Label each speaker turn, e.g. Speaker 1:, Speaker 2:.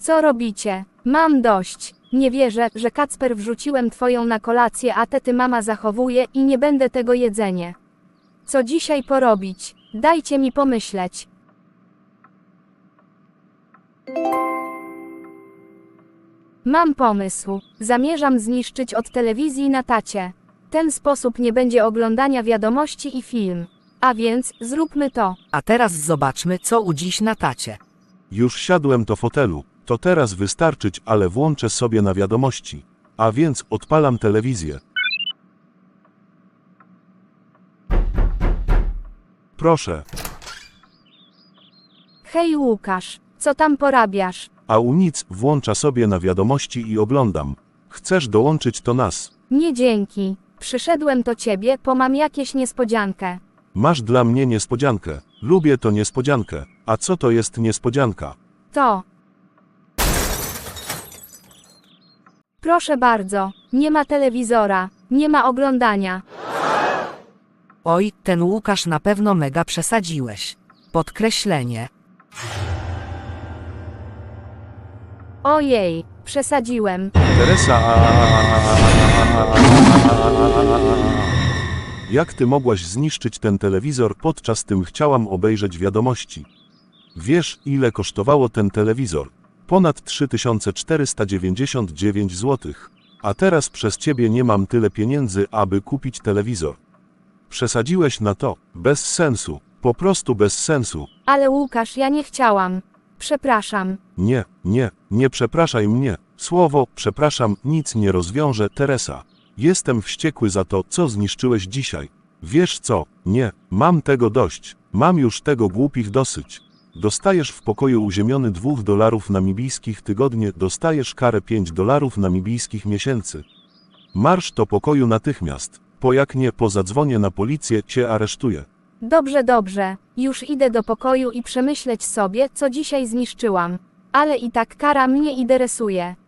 Speaker 1: Co robicie? Mam dość. Nie wierzę, że Kacper wrzuciłem twoją na kolację, a ty mama zachowuje i nie będę tego jedzenie. Co dzisiaj porobić? Dajcie mi pomyśleć. Mam pomysł. Zamierzam zniszczyć od telewizji na tacie. W ten sposób nie będzie oglądania wiadomości i film. A więc, zróbmy to.
Speaker 2: A teraz zobaczmy, co u dziś na tacie.
Speaker 3: Już siadłem do fotelu, to teraz wystarczyć, ale włączę sobie na wiadomości. A więc odpalam telewizję. Proszę,
Speaker 1: Hej Łukasz, co tam porabiasz?
Speaker 3: a u nic, włącza sobie na wiadomości i oglądam. Chcesz dołączyć do nas?
Speaker 1: Nie dzięki. Przyszedłem do ciebie, bo mam jakieś niespodziankę.
Speaker 3: Masz dla mnie niespodziankę. Lubię to niespodziankę. A co to jest niespodzianka?
Speaker 1: To. Proszę bardzo, nie ma telewizora, nie ma oglądania.
Speaker 2: Oj, ten Łukasz na pewno mega przesadziłeś. Podkreślenie.
Speaker 1: Ojej, przesadziłem.
Speaker 3: Teresa, jak ty mogłaś zniszczyć ten telewizor, podczas tym chciałam obejrzeć wiadomości. Wiesz, ile kosztowało ten telewizor? Ponad 3499 zł. A teraz przez ciebie nie mam tyle pieniędzy, aby kupić telewizor. Przesadziłeś na to. Bez sensu. Po prostu bez sensu.
Speaker 1: Ale Łukasz, ja nie chciałam. Przepraszam.
Speaker 3: Nie przepraszaj mnie. Słowo przepraszam nic nie rozwiąże, Teresa. Jestem wściekły za to, co zniszczyłeś dzisiaj. Wiesz co? Nie, mam tego dość. Mam już tego głupich dosyć. Dostajesz w pokoju uziemiony $2 namibijskich tygodnie, dostajesz karę $5 namibijskich miesięcy. Marsz do pokoju natychmiast. Po jak nie, zadzwonię na policję, cię aresztuję.
Speaker 1: Dobrze, dobrze. Już idę do pokoju i przemyśleć sobie, co dzisiaj zniszczyłam. Ale i tak kara mnie interesuje.